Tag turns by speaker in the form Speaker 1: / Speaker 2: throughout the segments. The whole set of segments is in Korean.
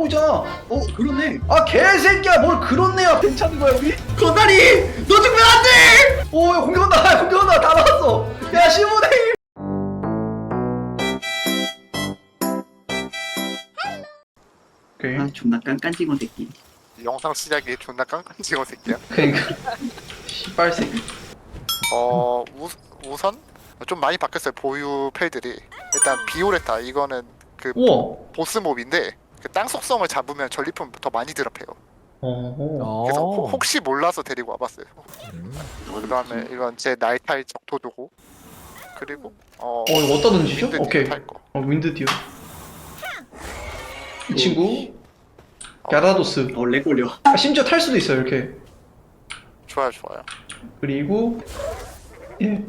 Speaker 1: 하고 있잖아.
Speaker 2: 그렇네.
Speaker 1: 아 개새끼야, 뭘 그렇네야. 괜찮은 거야 우리?
Speaker 2: 건달이 너 죽으면 안 돼.
Speaker 1: 오, 야, 공격한다. 공격한다. 다 나왔어. 야, 시모네. 오케이.
Speaker 2: 아 존나 깐깐지건 새끼.
Speaker 3: 영상 시작이 존나 깡깡지고 새끼야.
Speaker 1: 그러니까 씨발 새끼.
Speaker 3: 우선 좀 많이 바뀌었어요. 보유 펠들이. 일단 비오레타 이거는 그
Speaker 1: 우와.
Speaker 3: 보스 몹인데 그 땅 속성을 잡으면 전리품 더 많이 드랍해요.
Speaker 1: 어.
Speaker 3: 그래서 혹시 몰라서 데리고 와봤어요. 그다음에 이건 제 날탈 적토도고. 그리고
Speaker 1: 이거 어디다 던지죠?
Speaker 3: 윈드
Speaker 1: 오케이.
Speaker 3: 탈 거.
Speaker 1: 윈드 디어. 이 친구 갸라도스.
Speaker 2: 렉 걸려.
Speaker 1: 아, 심지어 탈 수도 있어요 이렇게.
Speaker 3: 좋아요.
Speaker 1: 그리고 예.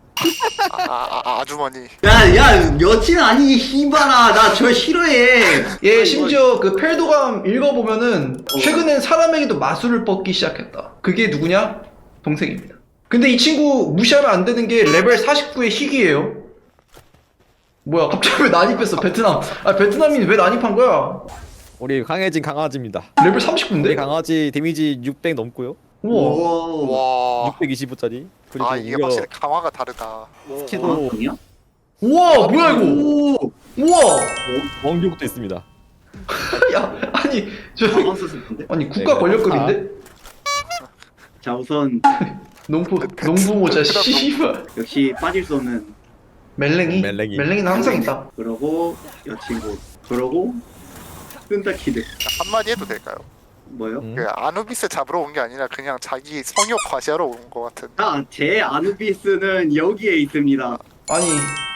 Speaker 3: 아주머니.
Speaker 2: 야 여친 아니 씨발아 나 저 싫어해.
Speaker 1: 얘 심지어 그 펠도감 읽어보면은 최근엔 사람에게도 마술을 뻗기 시작했다. 그게 누구냐? 동생입니다. 근데 이 친구 무시하면 안 되는 게 레벨 49의 희귀예요. 뭐야 갑자기 왜 난입했어 베트남. 아 베트남인 왜 난입한 거야?
Speaker 4: 우리 강해진 강아지입니다.
Speaker 1: 레벨
Speaker 4: 우리
Speaker 1: 39인데?
Speaker 4: 강아지 데미지 600 넘고요.
Speaker 1: 우와.
Speaker 3: 와.
Speaker 4: 625짜리. 그리고
Speaker 3: 이게
Speaker 4: 무려
Speaker 3: 확실히 강화가 다르다.
Speaker 4: 스키도
Speaker 2: 아니야?
Speaker 1: 우와 뭐야 이거.
Speaker 2: 오.
Speaker 1: 우와.
Speaker 4: 원교국도 있습니다.
Speaker 1: 야 아니 저
Speaker 2: 안 썼을 텐데.
Speaker 1: 아니 국가
Speaker 4: 네,
Speaker 1: 권력급인데?
Speaker 2: 자 우선
Speaker 1: 농부 모자 씨발.
Speaker 2: 역시 빠질 수 없는.
Speaker 4: 멜랭이.
Speaker 1: 멜랭이는 항상 있다.
Speaker 2: 그러고 여친구. 그러고 끈다키드.
Speaker 3: 한마디 해도 될까요?
Speaker 2: 뭐요?
Speaker 3: 그 아누비스 잡으러 온 게 아니라 그냥 자기 성욕 과시하러 온 것 같은.
Speaker 2: 제 아누비스는 여기에 있습니다.
Speaker 1: 아니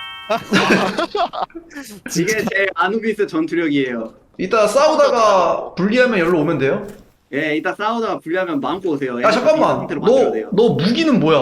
Speaker 2: 이게 제 아누비스 전투력이에요.
Speaker 1: 이따 싸우다가 분리하면 여기로 오면 돼요?
Speaker 2: 예, 이따 싸우다가 불리하면 마음껏 오세요.
Speaker 1: 야 잠깐만
Speaker 2: 상태로 만들어야 돼요.
Speaker 1: 너 무기는 뭐야?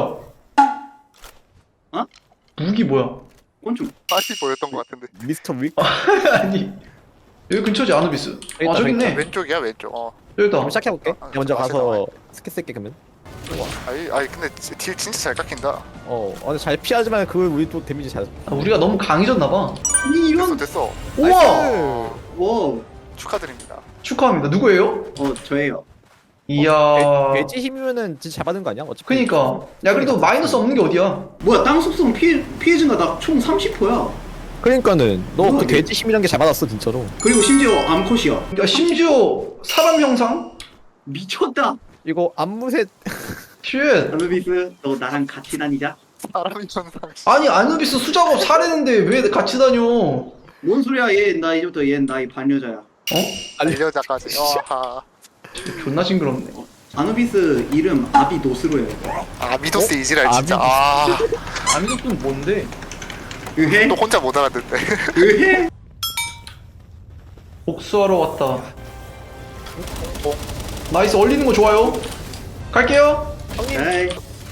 Speaker 2: 어?
Speaker 1: 무기 뭐야?
Speaker 2: 곤충.
Speaker 3: 다시 보였던 것 같은데.
Speaker 4: 미스터 윅.
Speaker 1: 아니 여기 근처지 아누비스.
Speaker 4: 있다,
Speaker 1: 저기 있네.
Speaker 3: 왼쪽이야 왼쪽.
Speaker 1: 여기다.
Speaker 4: 그럼 시작해볼게. 먼저 가서 스킬 쓸게 그러면.
Speaker 3: 아니 근데 딜 진짜 잘 깎인다.
Speaker 4: 근데 잘 피하지만 그 우리 또 데미지 잘.
Speaker 1: 우리가 너무 강해졌나봐.
Speaker 2: 아니 이런.
Speaker 3: 됐어.
Speaker 1: 우와
Speaker 4: 나이스!
Speaker 2: 와.
Speaker 3: 축하드립니다.
Speaker 1: 축하합니다. 누구예요?
Speaker 2: 저예요.
Speaker 1: 이야
Speaker 4: 돼지 힘이면은 진짜 잘 받는 거 아니야? 어차피.
Speaker 1: 그니까 야 그래도 마이너스 없는 게 어디야?
Speaker 2: 뭐야 땅 속성 피해 증가 나 총 30%야.
Speaker 4: 그러니까는 너 그
Speaker 2: 뭐야,
Speaker 4: 돼지 힘이란 게 잘 받았어 진짜로.
Speaker 2: 그리고 심지어 암컷이야.
Speaker 1: 야 심지어 사람 형상?
Speaker 2: 미쳤다.
Speaker 4: 이거 안무새
Speaker 1: 쉣.
Speaker 2: 아누비스 너 나랑 같이 다니자.
Speaker 3: 사람이 현상.
Speaker 1: 아니 아누비스 수작업 사례는데 왜 같이 다녀?
Speaker 2: 뭔 소리야 얘 나 이제부터 얘 나이 반여자야.
Speaker 1: 어?
Speaker 3: 알려자까지. 와하.
Speaker 1: 존나 징그럽네.
Speaker 2: 아누비스 이름 아비노스로 해요.
Speaker 3: 미도스 이지랄 진짜.
Speaker 1: 아누비스는 뭔데?
Speaker 2: 으헤?
Speaker 3: 또 혼자 못 알아듣네.
Speaker 2: 으헤?
Speaker 1: 복수하러 왔다. 나이스 얼리는 거 좋아요. 갈게요.
Speaker 2: 에이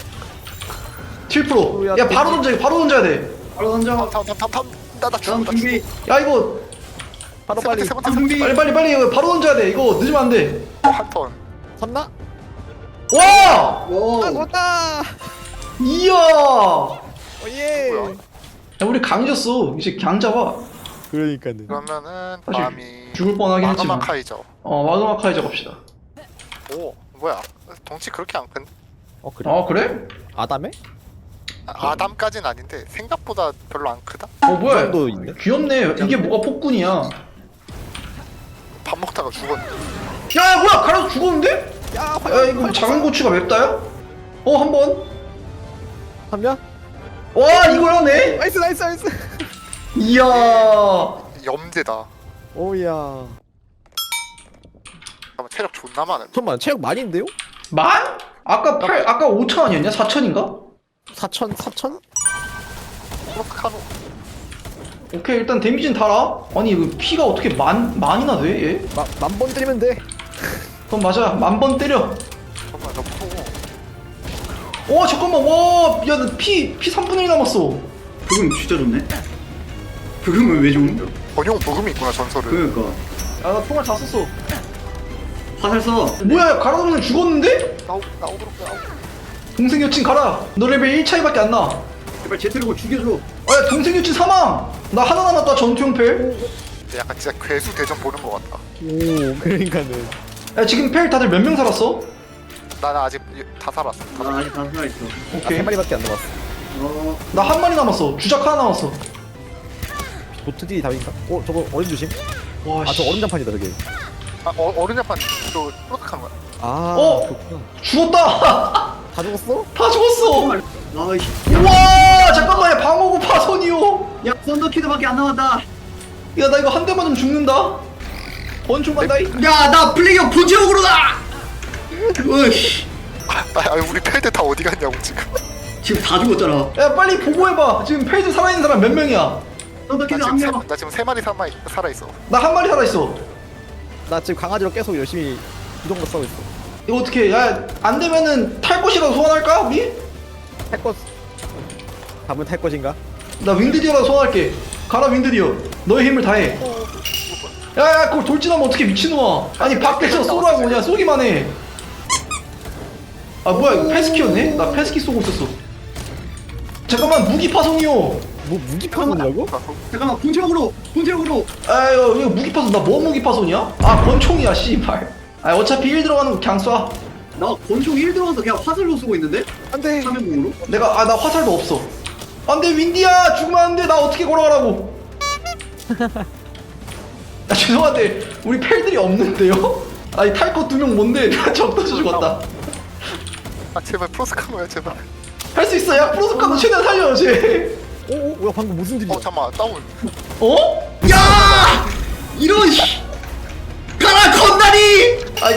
Speaker 1: 7%. 야 바로 던져. 바로 던져야 돼.
Speaker 2: 바로 던져.
Speaker 3: 탐. 나
Speaker 2: 다음
Speaker 3: 죽는다.
Speaker 2: 준비.
Speaker 1: 야 이거
Speaker 4: 바로 빨리
Speaker 3: 세 번째.
Speaker 2: 다음 준비.
Speaker 1: 빨리 이거 바로 던져야 돼. 이거 늦으면 안 돼.
Speaker 3: 한 턴.
Speaker 4: 섰나?
Speaker 1: 와!
Speaker 2: 오.
Speaker 4: 왔다.
Speaker 1: 이야!
Speaker 4: 예.
Speaker 3: 뭐야?
Speaker 1: 야 우리 강해졌어. 이제 강 잡아.
Speaker 4: 그러니까는.
Speaker 3: 그러면은
Speaker 1: 사실
Speaker 3: 밤이
Speaker 1: 죽을 뻔하긴 했지만.
Speaker 3: 마그마 카이저.
Speaker 1: 마그마 카이저 갑시다.
Speaker 3: 오 뭐야? 덩치 그렇게 안 큰?
Speaker 4: 그래?
Speaker 1: 아 그래?
Speaker 4: 아담에?
Speaker 3: 아담까진 아닌데 생각보다 별로 안 크다.
Speaker 1: 뭐야?
Speaker 4: 정도 있네?
Speaker 1: 귀엽네. 이게 뭐가 폭군이야?
Speaker 3: 밥 먹다가 죽었네.
Speaker 1: 야 뭐야? 가라서 죽었는데? 야 이거 작은 고추가 맵다야? 한 번.
Speaker 4: 한명?
Speaker 1: 와 이걸 하네?
Speaker 4: 나이스.
Speaker 1: 이야.
Speaker 3: 염제다.
Speaker 4: 오야.
Speaker 3: 잠깐만 체력 존나 많은.
Speaker 4: 잠깐만 체력 많이인데요?
Speaker 1: 만? 아까 5천 아니었냐? 4천인가?
Speaker 4: 4천?
Speaker 3: 크로스카노.
Speaker 1: 오케이 일단 데미지는 달아. 아니 이거 피가 어떻게 만이나 돼 얘?
Speaker 4: 만 번 때리면 돼.
Speaker 1: 그럼 맞아. 1000번 때려.
Speaker 3: 잠깐만 나 무서워.
Speaker 1: 잠깐만 와야피 3분의 1 남았어.
Speaker 2: 부금 진짜 좋네. 부금은 왜 좋은?
Speaker 3: 전용 부금이 있구나 전설은.
Speaker 2: 그러니까
Speaker 1: 야 나 총알 다 썼어.
Speaker 2: 화살 써.
Speaker 1: 뭐야 가라도면 죽었는데?
Speaker 3: 나오도록.
Speaker 1: 동생 여친 가라. 너 레벨 1 차이밖에 안 나.
Speaker 2: 제발 제트리고 죽여줘.
Speaker 1: 야 동생 여친 사망. 나 하나 남았다 전투용 펠.
Speaker 3: 약간 진짜 괴수 대전 보는 것 같다.
Speaker 4: 오 그러니까는.
Speaker 1: 야 지금 펠 다들 몇 명 살았어?
Speaker 3: 나는 아직 다 살았어.
Speaker 2: 나 아직 다 살아있어.
Speaker 1: 오케이.
Speaker 4: 세 마리밖에 안 남았어.
Speaker 2: 어,
Speaker 1: 나 한 마리 남았어. 주작 하나 남았어.
Speaker 4: 보트 딜이 답인가? 저거 얼음 조심.
Speaker 1: 와
Speaker 4: 아 저 얼음 장판이다 저게.
Speaker 3: 어른 자판 또 프로덕한 거야.
Speaker 4: 아
Speaker 1: 어?
Speaker 4: 그렇구나.
Speaker 1: 죽었다.
Speaker 4: 다 죽었어?
Speaker 1: 다 죽었어.
Speaker 2: 아이씨.
Speaker 1: 우와 잠깐만 야 방어구 파손이요.
Speaker 2: 야, 썬더키드밖에 안 남았다.
Speaker 1: 야 나 이거 한 대만 좀 죽는다. 권총 간다.
Speaker 2: 야, 나 플레이어 본체적으로다! 으이씨.
Speaker 3: 우리 펠드 다 어디 갔냐고 지금.
Speaker 2: 지금 다 죽었잖아.
Speaker 1: 야 빨리 보고해봐. 지금 펠드 살아있는 사람 몇 명이야?
Speaker 2: 썬더키드
Speaker 3: 나
Speaker 2: 한
Speaker 3: 지금,
Speaker 2: 명.
Speaker 3: 나 지금 3마리 살아있어.
Speaker 1: 나 한 마리 살아있어.
Speaker 4: 나 지금 강아지로 계속 열심히 이동도 싸고 있어.
Speaker 1: 이거 어떻게? 야 안 되면은 탈 것이라도 소환할까 우리?
Speaker 4: 탈 것. 답은 탈 것인가?
Speaker 1: 나 윈드디어라도 소환할게. 가라 윈드디어. 너의 힘을 다해. 야야 그걸 돌진하면 어떻게 미친놈아. 아니 밖에서 쏘라고 그냥 쏘기만 해. 아 뭐야 이거 패스키였네? 나 패스키 쏘고 있었어. 잠깐만 무기 파손이요.
Speaker 4: 뭐 무기 파손이라고?
Speaker 2: 잠깐만, 본체적으로!
Speaker 1: 아 이거 무기 파손. 나 뭐 무기 파손이야? 아 권총이야 씨발. 아 어차피 1 들어가는 거 그냥 쏴.
Speaker 2: 나 권총 1 들어가서 그냥 화살로 쓰고 있는데?
Speaker 4: 안돼.
Speaker 2: 화면공으로?
Speaker 1: 내가 나 화살도 없어. 안돼 윈디야 죽으면 안돼. 나 어떻게 걸어가라고. 아 죄송한데 우리 펠들이 없는데요? 아니 탈 것 2명 뭔데? 적도서 죽었다.
Speaker 3: 제발 프로스카노야 제발.
Speaker 1: 할 수 있어. 야 프로스카도 최대한 살려 쟤.
Speaker 4: 오오 뭐야 방금 무슨 일이야?
Speaker 3: 잠깐만 다운.
Speaker 1: 어?
Speaker 2: 야! 이런 씨! 가라, 건다리!
Speaker 1: 아니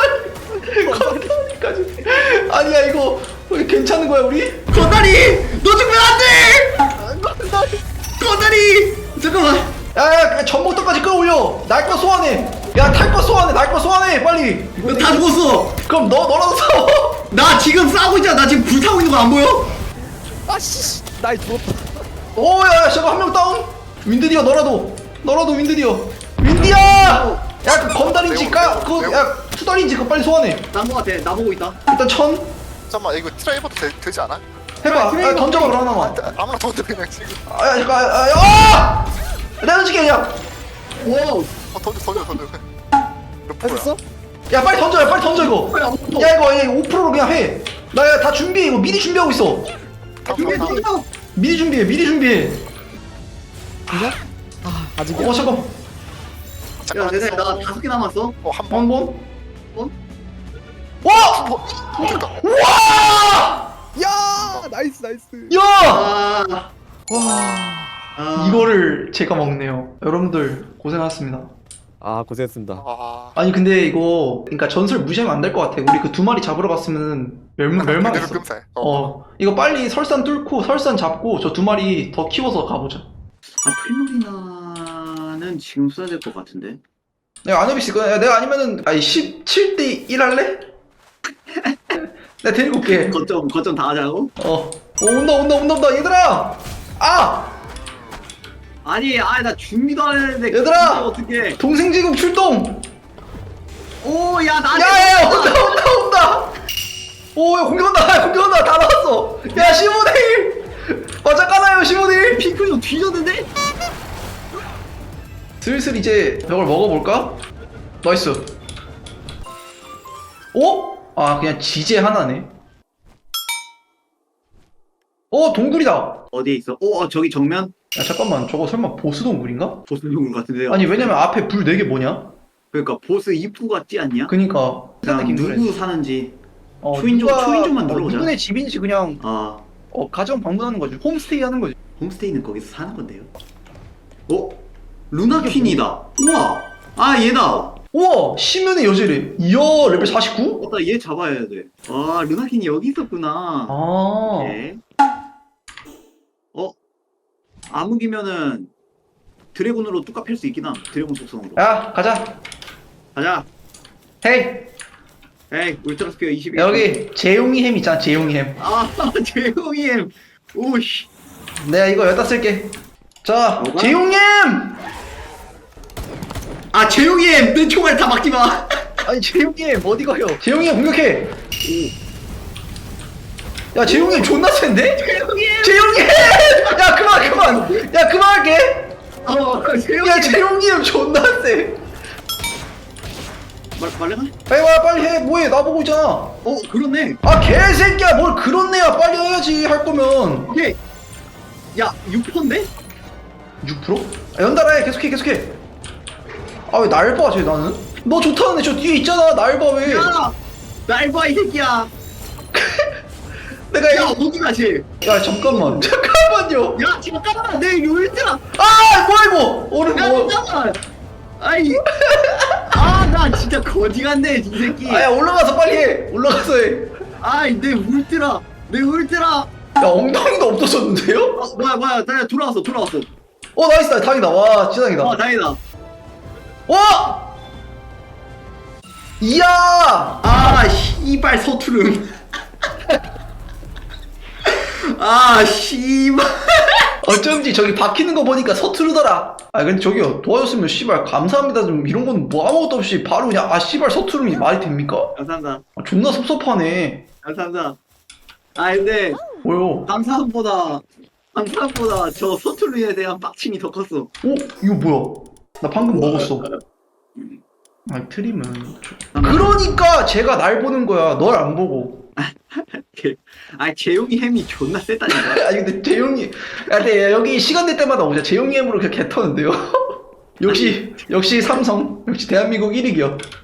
Speaker 1: 건달까지. 아니야 이거 왜 괜찮은 거야 우리?
Speaker 2: 건다리! 너 죽으면 안 돼! 건다리! 잠깐만.
Speaker 1: 야야 전복도까지 끌어올려. 날 거 소환해. 야 탈 거 소환해. 날 거 소환해 빨리.
Speaker 2: 너 다 죽었어.
Speaker 1: 그럼 너라도 써.
Speaker 2: 나 지금 싸우고 있잖아. 나 지금 불타고 있는 거 안 보여?
Speaker 4: 아씨 나이 죽었다.
Speaker 1: 오야 저거 한 명 다운. 윈드디어 너라도 윈드디어. 윈디야. 야 그 건달인지 야 투달인지 그거 빨리 소환해.
Speaker 2: 난 거 같아. 나 보고 있다.
Speaker 1: 일단 천
Speaker 3: 잠깐만 이거 트라이버도 되지 않아?
Speaker 1: 해봐. 아, 던져봐 그럼 하나만.
Speaker 3: 아무나 던져 그냥 지금.
Speaker 1: 아 잠깐. 아! 내가 던질게 그냥.
Speaker 2: 와우.
Speaker 3: 던져. 몇 프로야?
Speaker 4: 했어?
Speaker 1: 야 빨리 던져. 야 빨리 던져 이거. 야 이거 5%로 그냥 해. 나 다 준비해. 이거 미리 준비하고 있어.
Speaker 3: 다음.
Speaker 1: 미리 준비해.
Speaker 4: 진짜? 아 아직이야?
Speaker 1: 잠깐.
Speaker 2: 야, 내 나 5개 남았어.
Speaker 3: 한 번.
Speaker 1: 한 번.
Speaker 2: 번?
Speaker 1: 와!
Speaker 3: 됐다.
Speaker 1: 와!
Speaker 4: 야 나이스.
Speaker 1: 야!
Speaker 2: 아,
Speaker 4: 와.
Speaker 1: 이거를 제가 먹네요. 여러분들 고생하셨습니다.
Speaker 4: 아 고생했습니다.
Speaker 1: 아니 근데 이거 그러니까 전설 무시하면 안 될 것 같아. 우리 그 2마리 잡으러 갔으면 멸망했어.
Speaker 3: 금살.
Speaker 1: 이거 빨리 설산 뚫고 설산 잡고 저 2마리 더 키워서 가보자.
Speaker 2: 프리모리나는 지금 써야 될 것 같은데.
Speaker 1: 내가 아누비스 내가 아니면은 17대 1 할래? 내가 데리고 올게.
Speaker 2: 거점 다 하자고?
Speaker 1: 온다 얘들아.
Speaker 2: 아니, 나 준비도 안 했는데.
Speaker 1: 얘들아!
Speaker 2: 어떻게?
Speaker 1: 동생 제국 출동.
Speaker 2: 오, 야, 나.
Speaker 1: 야야 온다. 오야 공격한다. 다 나왔어. 야 15대 1. 맞아까나요 15대 1.
Speaker 2: 핑크 좀 뒤졌는데?
Speaker 1: 슬슬 이제 벽을 먹어볼까? 나이스. 오? 아 그냥 지제 하나네. 동굴이다.
Speaker 2: 어디에 있어? 저기 정면?
Speaker 1: 야 잠깐만 저거 설마 보스 동굴인가?
Speaker 2: 보스 동굴 같은데.
Speaker 1: 아니 왜냐면 앞에 불 4개 뭐냐?
Speaker 2: 그러니까 보스 입구 같지 않냐?
Speaker 1: 그니까
Speaker 2: 그냥 누구 사는지.
Speaker 1: 누가
Speaker 2: 초인종만 눌러보자.
Speaker 1: 누구네 집인지 그냥
Speaker 2: 아,
Speaker 1: 가정 방문하는 거지. 홈스테이 하는 거지.
Speaker 2: 홈스테이는 거기서 사는 건데요. 루나 퀸이다. 우와. 얘다.
Speaker 1: 우와 시면의 여제래. 이야 레벨 49?
Speaker 2: 나 얘 잡아야 돼. 루나 퀸이 여기 있었구나. 오케이. 암흑이면은 드래곤으로 뚜까 팰 수 있긴 함. 드래곤 속성으로.
Speaker 1: 야 가자.
Speaker 2: 가자.
Speaker 1: 헤이
Speaker 2: 울트라 스피어 21.
Speaker 1: 여기 재용이 햄 있잖아. 재용이 햄.
Speaker 2: 재용이 햄. 오씨.
Speaker 1: 내가 이거 여기다 쓸게. 자
Speaker 2: 뭐가?
Speaker 1: 재용이 햄.
Speaker 2: 재용이 햄. 내 총알 다 막지 마.
Speaker 1: 아니 재용이 햄 어디 가요? 재용이 햄 공격해. 야 재용이 형 존나 센데? 재용이 형! 야 그만 야 그만할게.
Speaker 2: 재영이.
Speaker 1: 야 재용이 형 존나 세.
Speaker 2: 말해가?
Speaker 1: 빨리 와 빨리 해. 뭐해 나보고 있잖아.
Speaker 2: 그렇네.
Speaker 1: 아 개새끼야 뭘 그렇네야. 빨리 해야지 할 거면.
Speaker 2: 오케이. 야 6%인데?
Speaker 1: 6%? 아, 연달아 해 계속해. 아 왜 날 봐 쟤 나는? 너 좋다는데 저 뒤에 있잖아 날 봐 왜?
Speaker 2: 날 봐 이 새끼야.
Speaker 1: 내가
Speaker 2: 야 어디 가지?
Speaker 1: 야 잠깐만요.
Speaker 2: 야 잠깐만 내 요일트라.
Speaker 1: 아 뭐야 이거 오른
Speaker 2: 야
Speaker 1: 뭐?
Speaker 2: 잠깐만. 아이. 나 진짜 거지 같네 이 새끼.
Speaker 1: 아야 올라가서 빨리 해. 올라가서 해.
Speaker 2: 아이 내 울트라.
Speaker 1: 야 엉덩이도 없어졌는데요?
Speaker 2: 뭐야 나 돌아왔어.
Speaker 1: 나이스 다행이다. 와 진짜 다행이다.
Speaker 2: 다행이다.
Speaker 1: 와! 이야!
Speaker 2: 씨발 서투름. 씨발.
Speaker 1: 어쩐지 저기 박히는 거 보니까 서투르더라. 근데 저기요 도와줬으면 씨발 감사합니다 좀 이런 건 뭐 아무것도 없이 바로 그냥 씨발 서투름이 말이 됩니까?
Speaker 2: 감사합니다.
Speaker 1: 존나 섭섭하네.
Speaker 2: 감사합니다. 근데
Speaker 1: 뭐요?
Speaker 2: 감사함보다 저 서투르에 대한 빡침이 더 컸어.
Speaker 1: 이거 뭐야? 나 방금 먹었어. 트림은 그러니까 제가 날 보는 거야. 널 안 보고.
Speaker 2: 재용이 햄이 존나 세다니까.
Speaker 1: 근데 재용이 근데 여기 시간 될 때마다 오자. 재용이 햄으로 그냥 개 터는데요. 역시 삼성 역시 대한민국 1위기요.